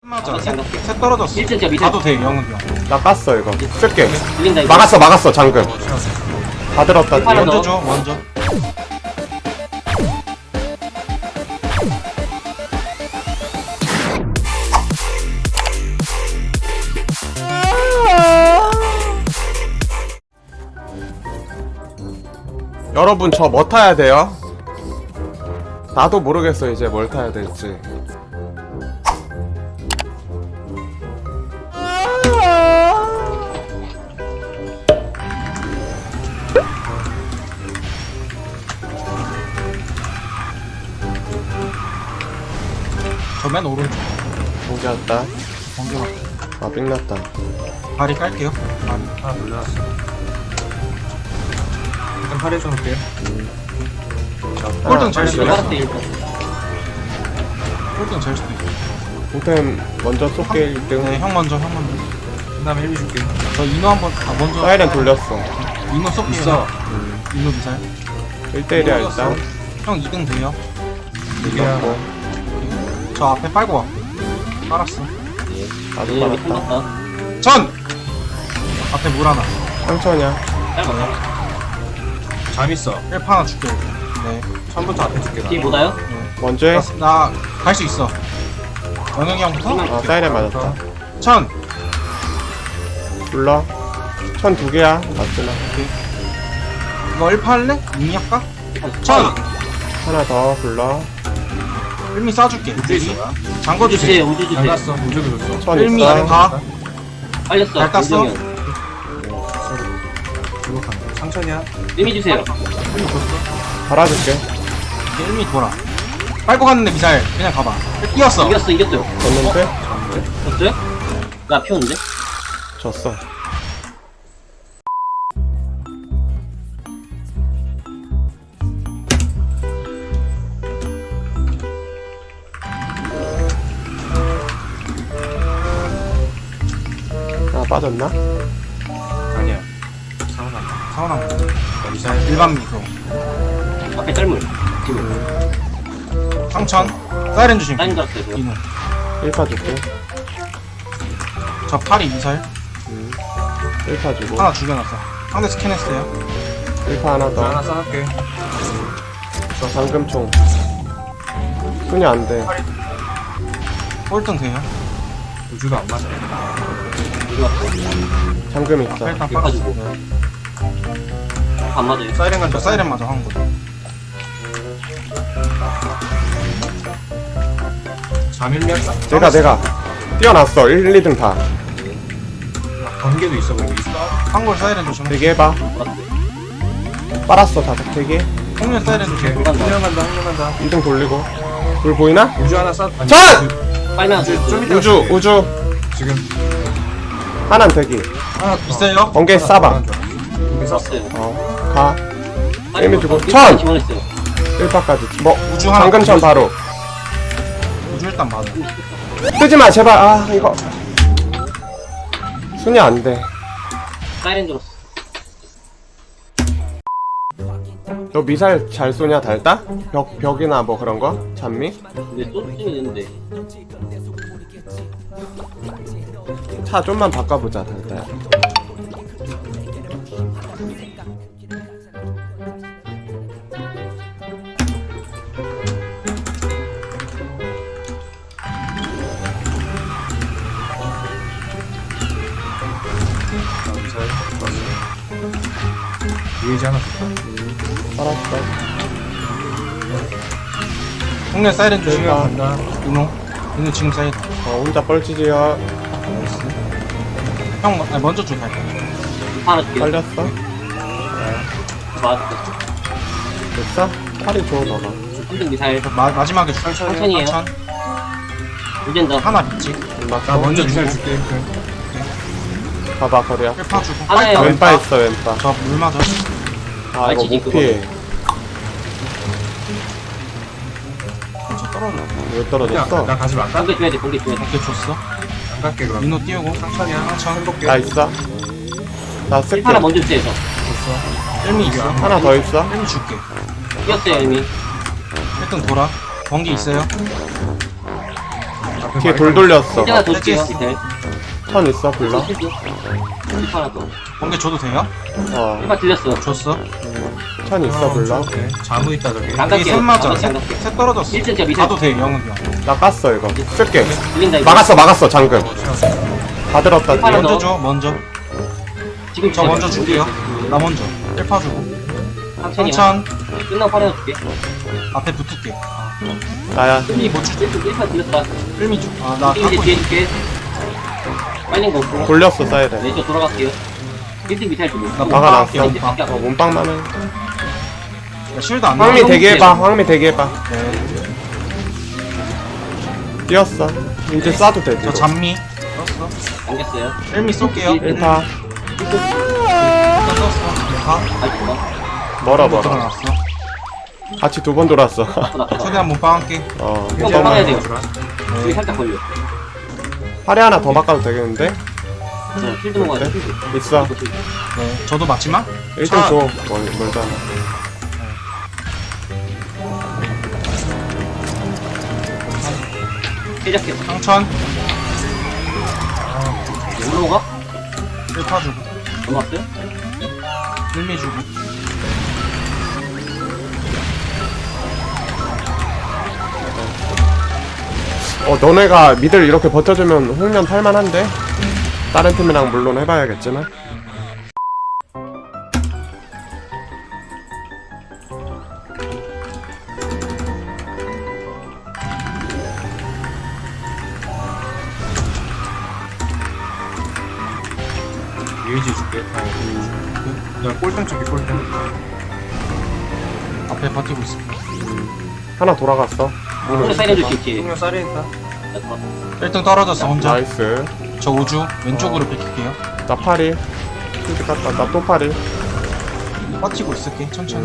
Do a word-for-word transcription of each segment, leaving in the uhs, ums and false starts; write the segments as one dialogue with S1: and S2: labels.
S1: 맞아. 셋, 셋 떨어졌어.
S2: 일 층 제가 밑에
S1: 가도 돼, 영은 형.
S3: 나 깠어 이거. 쓸게.
S2: 들린다 이거.
S3: 막았어 막았어 잠금. 다 들었다.
S2: 하나
S3: 뒤에.
S1: 먼저 줘, 먼저.
S3: 여러분 저 뭐 타야 돼요? 나도 모르겠어 이제 뭘 타야 될지.
S1: 저 맨 오른쪽.
S3: 공기 왔다.
S1: 번개 맞
S3: 아 삥났다.
S1: 발이 깔게요. 발이.
S4: 하나 돌려놨어. 일단 팔 해줘놓을게요.
S1: 꼴등 잘
S3: 아,
S1: 수도
S3: 그래?
S1: 있어.
S2: 알았어 일단.
S1: 꼴등 잘 수도 있어.
S3: 일단 먼저 쏠게 일 등.
S1: 네, 형 먼저, 형 먼저.
S4: 그 다음에 일 비 줄게.
S1: 저 인호 한번, 아, 먼저.
S3: 사이렌 돌렸어.
S1: 인호 쏠게요.
S4: 있어.
S1: 인호 미사일.
S3: 일 대 일이야 일단.
S1: 형 이 등 돼요.
S4: 이게하고
S1: 저 앞에 빨고 와. 빨았어.
S3: 나도
S2: 얘 밑에
S3: 받았다.
S2: 봤다.
S1: 전! 앞에 물 하나.
S3: 상처냐?
S2: 짧았다.
S4: 잠 있어.
S1: 일파 하나 줄게. 네.
S4: 처음부터 앞에 줄게.
S2: 뒤에 뭐다요?
S3: 먼저 해.
S1: 나 갈 수 있어. 영영이 형부터?
S3: 아 사이렌 맞았다.
S1: 천!
S3: 불러. 천 두 개야. 맞구나.
S1: 이거 일파 할래? 이미 할까? 천!
S3: 하나 더 불러.
S1: 일미 쏴줄게.
S4: 우주 있어.
S1: 잠궈
S2: 우주
S1: 주세요.
S2: 주세요 우주 주세요.
S4: 나갔어. 무적이 줬어.
S3: 천
S1: 일미
S3: 있어.
S1: 가.
S2: 빨렸어.
S1: 잘 땄어?
S2: 우정이 형.
S4: 이거 간다. 상천이야.
S2: 의미 주세요.
S3: 달아줄게.
S1: 이제 일미 돌아. 빨고 갔는데 미사일. 그냥 가봐. 뛰었어.
S2: 이겼어 이겼어요.
S3: 졌는데?
S2: 졌어요? 나 피웠는데?
S3: 졌어. 아 빠졌나?
S4: 아니야. 상훈아.
S1: 사원한 거.
S4: 미사일.
S1: 일반 미소.
S2: 앞에 짤물. 지금
S1: 상천. 사이렌 주심.
S2: 사인 걸었어요 그거.
S1: 인호.
S3: 일 파 줄게.
S1: 저 팔이 미사일.
S3: 음. 일 파 주고.
S1: 하나 죽여놨어. 상대 스캔했어요.
S3: 일 파 하나
S4: 나 하나
S3: 더.
S4: 써놓을게.
S3: 잠금총. 손이 안 돼.
S1: 꼴등 돼요.
S4: 우주도 안 맞아.
S2: 이거 왔어.
S3: 잠금
S1: 아,
S3: 있어.
S1: 일단
S2: 가지고.
S1: 빨았어.
S2: 안 맞아요.
S4: 사이렌 간다.
S1: 저 사이렌 맞아 한 거.
S4: 잠 일 미 할까?
S3: 내가 내가 뛰어났어. 일, 이 등 다.
S4: 번개도 있어. 거기 있어.
S1: 한골 사이렌 조심.
S3: 대기해봐. 빨았어 다섯 개.
S1: 홍련 사이렌 조심.
S4: 한 명 간다. 한 명 간다.
S3: 이 등 돌리고. 불 보이나?
S4: 우주 하나 쏴. 아니,
S3: 전!
S4: 우주-
S2: 빨면
S4: 우주 좀 이따
S3: 우주
S4: 줄게.
S3: 우주.
S4: 지금
S3: 하나는 대기.
S4: 하나
S1: 있어요?
S3: 번개 싸봐.
S4: 번개 쐈어.
S2: 썼어요.
S3: 어. 가.
S2: 빨리
S3: 의미 주고.
S2: 뭐,
S3: 천!
S2: 지원했어요.
S3: 일 파까지. 뭐
S1: 우주 하나.
S3: 잠금천 바로.
S1: 우주 일단 맞아.
S3: 뜨지마 제발. 아 이거 순위 안 돼.
S2: 사이렌 들었어.
S3: 너 미사일 잘 쏘냐 달다? 벽 벽이나 뭐 그런 거? 잔미?
S2: 근데 쏘주면 되는데.
S3: 차 좀만 바꿔보자 달다야.
S4: 미사일. 유해지 하나 줄까?
S3: 알았어.
S1: 홍련 사이렌 조심.
S3: 내가
S4: 간다.
S1: 인호. 인호 지금 사이렌.
S3: 어 혼자 뻘치지야.
S1: 형 아니, 먼저 줘 갈게.
S2: 하나 줄게.
S3: 빨렸어?
S2: 맞았어.
S3: 됐어? 팔이 좋아 너가.
S2: 힐링 미사일.
S1: 마, 마지막에 줄.
S2: 천천히요.
S1: 천.
S2: 이젠 나
S1: 하나 믿지.
S4: 나 먼저 미사일 줄게.
S3: 봐봐 거리야.
S1: 일파 주고.
S2: 하나에
S1: 빨리
S3: 왼바 있어 왼바.
S1: 저물 맞아.
S3: 아 이거
S2: 알지,
S3: 못 피해.
S1: 저 떨어져.
S3: 왜
S4: 야,
S3: 떨어졌어?
S4: 나 가지 말까?
S2: 공개 줘야 돼. 공개 줘야 돼.
S1: 어깨 줬어.
S4: 안 갈게 그럼.
S1: 인호 띄우고.
S4: 상천이야.
S1: 상천.
S4: 해볼게.
S3: 나 있어? 나 쓸게.
S2: 하나 먼저 주세요. 저.
S4: 줬어.
S1: 일미 있어.
S3: 하나 더 있어?
S1: 일미 줄게.
S2: 뛰었어요 이미.
S1: 일 등 돌아. 번개 있어요.
S4: 앞에
S3: 뒤에 돌 돌렸어.
S2: 일단 도줄게요.
S1: 됐지.
S2: 미사일.
S3: 천 있어 불러.
S2: 실드. 실드 하나 더.
S1: 번개 줘도 돼요?
S3: 어.
S2: 일단 들렸어.
S1: 줬어.
S3: 천 있어 불러.
S4: 오케이. 자무 있다 저기.
S2: 안
S1: 여기
S2: 갈게요.
S1: 셋 맞아.
S2: 안
S1: 셋,
S2: 갈게요.
S1: 셋 떨어졌어.
S2: 일 층 제가 미사일.
S1: 가도 돼, 영은 형.
S3: 나 깠어 이거. 쓸게.
S2: 들린다 이거.
S3: 막았어 막았어 잠금. 다 들었다.
S2: 하나
S3: 뒤에.
S2: 더.
S1: 먼저 줘, 먼저.
S2: 지금
S1: 저 먼저 줄게요. 나 먼저. 일 파 주고.
S2: 상천이야.
S1: 상천.
S2: 끝나고 파내어 줄게.
S1: 앞에 붙을게.
S3: 나야.
S1: 일미 못 주지?
S2: 일 파 들렸다.
S1: 일미 줘. 아, 나
S2: 이제
S1: 갖고
S2: 뒤에
S1: 있어.
S2: 줄게. 빨린 거 없고.
S3: 돌렸어 사이렌.
S2: 네, 저 돌아갈게요. 일 등 미사일 주고.
S1: 나
S3: 막아놨어.
S1: 몸빵할게,
S2: 이제
S1: 몸빵.
S2: 밖에
S3: 어 몸빵만 해.
S1: 나 실드 안
S3: 황미
S1: 나와.
S3: 대기해봐. 황미 대기해봐.
S1: 네.
S3: 뛰었어. 이제 쏴도 돼.
S1: 저
S3: 뒤로.
S1: 잔미. 썼어.
S2: 당겼어요.
S1: 일미 쏠게요.
S2: 일.
S3: 일 파.
S1: 일단 썼어. 파.
S2: 아, 죽어.
S3: 멀어 멀어.
S1: 들어놨어.
S3: 같이 두 번 돌았어.
S2: 나쁘다, 나쁘다.
S1: 최대한 몸빵할게.
S3: 어.
S2: 이거
S3: 이제
S2: 막아야
S3: 막-
S2: 돼요.
S1: 네.
S2: 여기 살짝 걸려.
S3: 팔에 하나 더 바꿔도 되겠는데?
S2: 저 필드 먹어야 돼, 필드.
S3: 있어.
S2: 이거 필드.
S1: 네. 저도 맞지마?
S3: 일 등 줘. 멀, 멀잖아.
S2: 시작해.
S1: 상천.
S2: 올라오가?
S1: 일 파 주고.
S2: 넘어왔어요?
S1: 일미 주고.
S3: 어, 너네가 미들 이렇게 버텨주면 홍련 탈만한데? 다른 팀이랑 물론 해봐야겠지만.
S4: 유이지 줄게. 어. 야 꼴등 줄게 꼴등.
S1: 앞에 버티고 있어.
S3: 하나 돌아갔어.
S2: 오늘 사이렌 줄게, 있지.
S4: 똥면 쌀에 있다.
S2: 나 들어왔어.
S1: 일 등 떨어졌어, 혼자.
S3: 나이스.
S1: 저 우주. 왼쪽으로 비킬게요.
S3: 나 파리. 필드 깠다. 나 또 파리.
S1: 버티고 있을게, 천천히.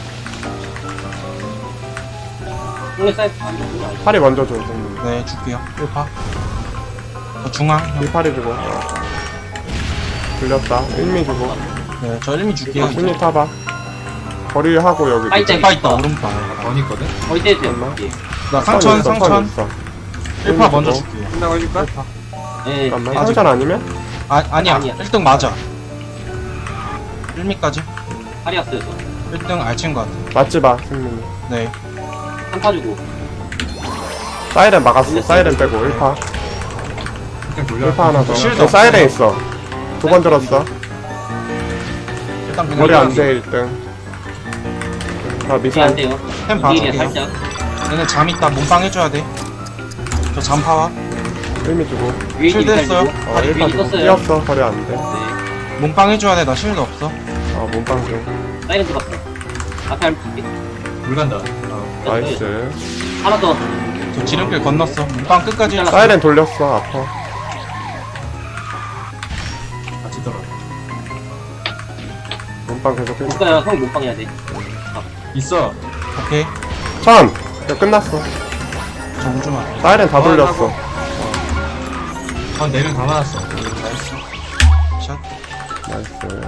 S2: 오늘 사이렌 안 돼.
S3: 파리 먼저 줘.
S1: 네, 줄게요. 일 파. 저 중앙. 형.
S3: 이 파리 주고. 들렸다. 일미 주고.
S1: 네, 저 일미 줄게요.
S3: 일미 타봐. 거리하고 여기.
S2: 파이 짱.
S1: 빠 있다, 오른파.
S4: 번 있거든.
S2: 거의 떼도
S3: 얼마?
S2: 돼.
S1: 나
S3: 선
S1: 상천,
S3: 있어, 선
S1: 상천.
S3: 있어.
S1: 일 파 먼저
S3: 주고.
S1: 줄게요.
S4: 끝나고 해줄까?
S2: 네.
S3: 잠깐만.
S1: 아직-
S3: 상전 아니면?
S1: 아, 아니야.
S2: 아니야.
S1: 일 등 맞아. 일미까지.
S2: 파리였어요, 저.
S1: 일 등 알친 것 같아.
S3: 맞지 마, 승민이.
S1: 네.
S2: 한파 주고.
S3: 사이렌 막았어. 사이렌 빼고 일 파.
S4: 일단 돌려.
S3: 일 파 하나 더.
S1: 실드
S3: 저
S1: 없어.
S3: 사이렌 있어. 두 번 들었어.
S1: 일단 그냥.
S3: 머리 안 돼, 일 등. 아,
S2: 이게 안
S3: 미사일.
S2: 돼요.
S1: 템
S2: 이게
S1: 봐줄게요.
S2: 살짝.
S1: 얘네 잠 있다. 몸빵 해줘야 돼. 저 잠파와.
S3: 일미 주고.
S2: 위에
S1: 실드
S2: 미사일
S1: 했어요.
S2: 주고.
S3: 어, 일 파
S2: 위에
S3: 주고.
S2: 떴어요.
S3: 뛰었어. 거리 안 돼.
S2: 네.
S1: 몸빵 해줘야 돼. 나 실드 없어.
S3: 어, 몸빵 좀.
S2: 사이렌 들어갔어. 앞에 할 줄게.
S4: 물 간다. 어.
S3: 나이스.
S2: 하나 더.
S1: 저 지름길 건넜어. 몸빵 끝까지.
S2: 잘라.
S3: 사이렌 돌렸어. 아파.
S4: 같이 떨어.
S3: 몸빵 계속 해.
S2: 볼까요? 형 못방 해야 돼.
S4: 있어.
S1: 오케이.
S3: 천! 이거 끝났어.
S1: 저 우주만.
S3: 사이렌 다
S4: 어,
S3: 돌렸어.
S4: 한 네 명 다 맞았어.
S1: 나이스. 샷.
S3: 나이스.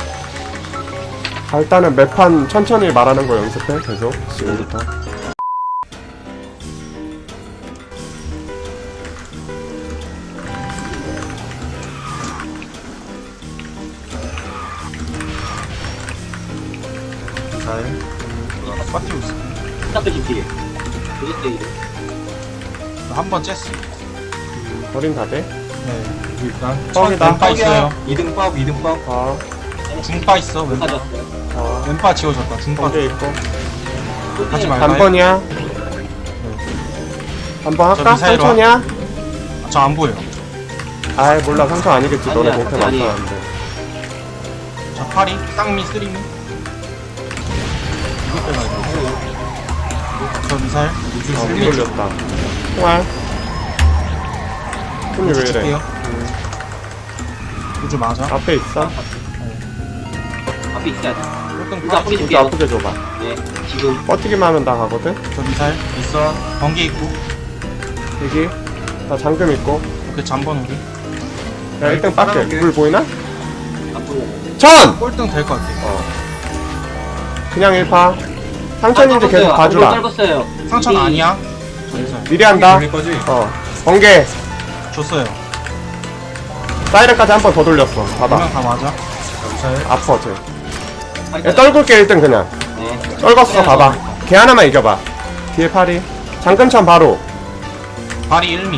S3: 자, 일단은 매판 천천히 말하는 거 연습해. 계속. 지금부터.
S1: 잘. 버티고 있어.
S2: 시작도 좀 뒤에. 이것도 이래.
S1: 한번 쬐어.
S3: 거린 다 돼?
S1: 네.
S4: 일단.
S3: 뻥이다.
S1: 왼파 있어요.
S4: 이 등 법, 이 등 법.
S3: 아,
S1: 중파 있어. 왼파.
S2: 가져왔어요.
S3: 아.
S1: 왼파 지워졌다. 중파.
S3: 번개 있고.
S1: 하지 말고.
S3: 단번이야? 단번
S1: 저
S3: 할까?
S1: 미사일 와.
S3: 상천이야?
S1: 저 안 보여.
S3: 아이 몰라 상천 아니겠지. 너네
S2: 아니야,
S3: 못해
S2: 상천 아니에요.
S3: 맞춰놨는데.
S1: 저 파리, 쌍미, 쓰리미. 이거 빼가야 돼. 저 미사일. 우주
S3: 어,
S1: 쓰리미
S3: 못 돌렸다. 총알. 손이 왜 이래?
S1: 줄게요. 우주 맞아.
S3: 앞에 있어?
S2: 앞에 있어야 돼.
S1: 꼴등
S2: 우주 아프게
S1: 파리.
S3: 이제
S2: 줄게요.
S3: 아프게 줘봐.
S2: 네. 지금.
S3: 버티기만 하면 다 가거든?
S1: 저 미사일.
S4: 있어.
S1: 번개 있고.
S3: 여기. 나 잠금 있고.
S1: 오케이, 잠번 우리.
S3: 야, 일 등 빡게.
S4: 따라올게.
S3: 물 보이나?
S2: 앞으로.
S3: 천!
S1: 꼴등 될 것 같아.
S3: 어. 그냥 일 파. 상천인지 계속 봐주라.
S2: 짧았어요.
S1: 상처는 아니야. 저 미사일.
S3: 미리 한다.
S4: 돌릴 거지?
S3: 어. 번개.
S1: 줬어요.
S3: 사이렌까지 한 번 더 돌렸어. 봐봐.
S1: 두명 다 맞아.
S4: 미사일.
S3: 아파 쟤.
S2: 파이터.
S3: 야, 떨굴게 일 등 그냥.
S2: 네.
S3: 떨궜어 봐봐. 걔 하나만 이겨봐. 뒤에 파리. 장근천 바로.
S1: 발이 일 미.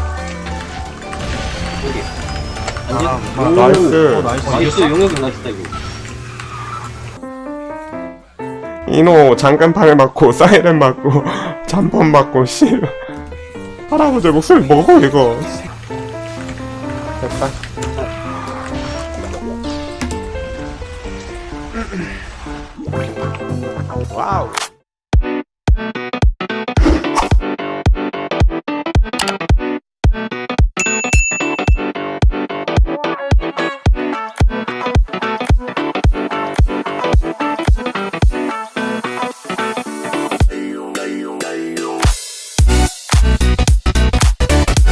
S2: 여기.
S1: 아,
S2: 안전.
S3: 아,
S2: 오,
S3: 나이스.
S1: 어, 나이스.
S2: 나이스. 용역 나이스다 이거.
S3: 이노 장근팔 맞고 사이렌 맞고 잠번 맞고 씨. 할아버지 목소리 먹어 이거. 됐다. 와우.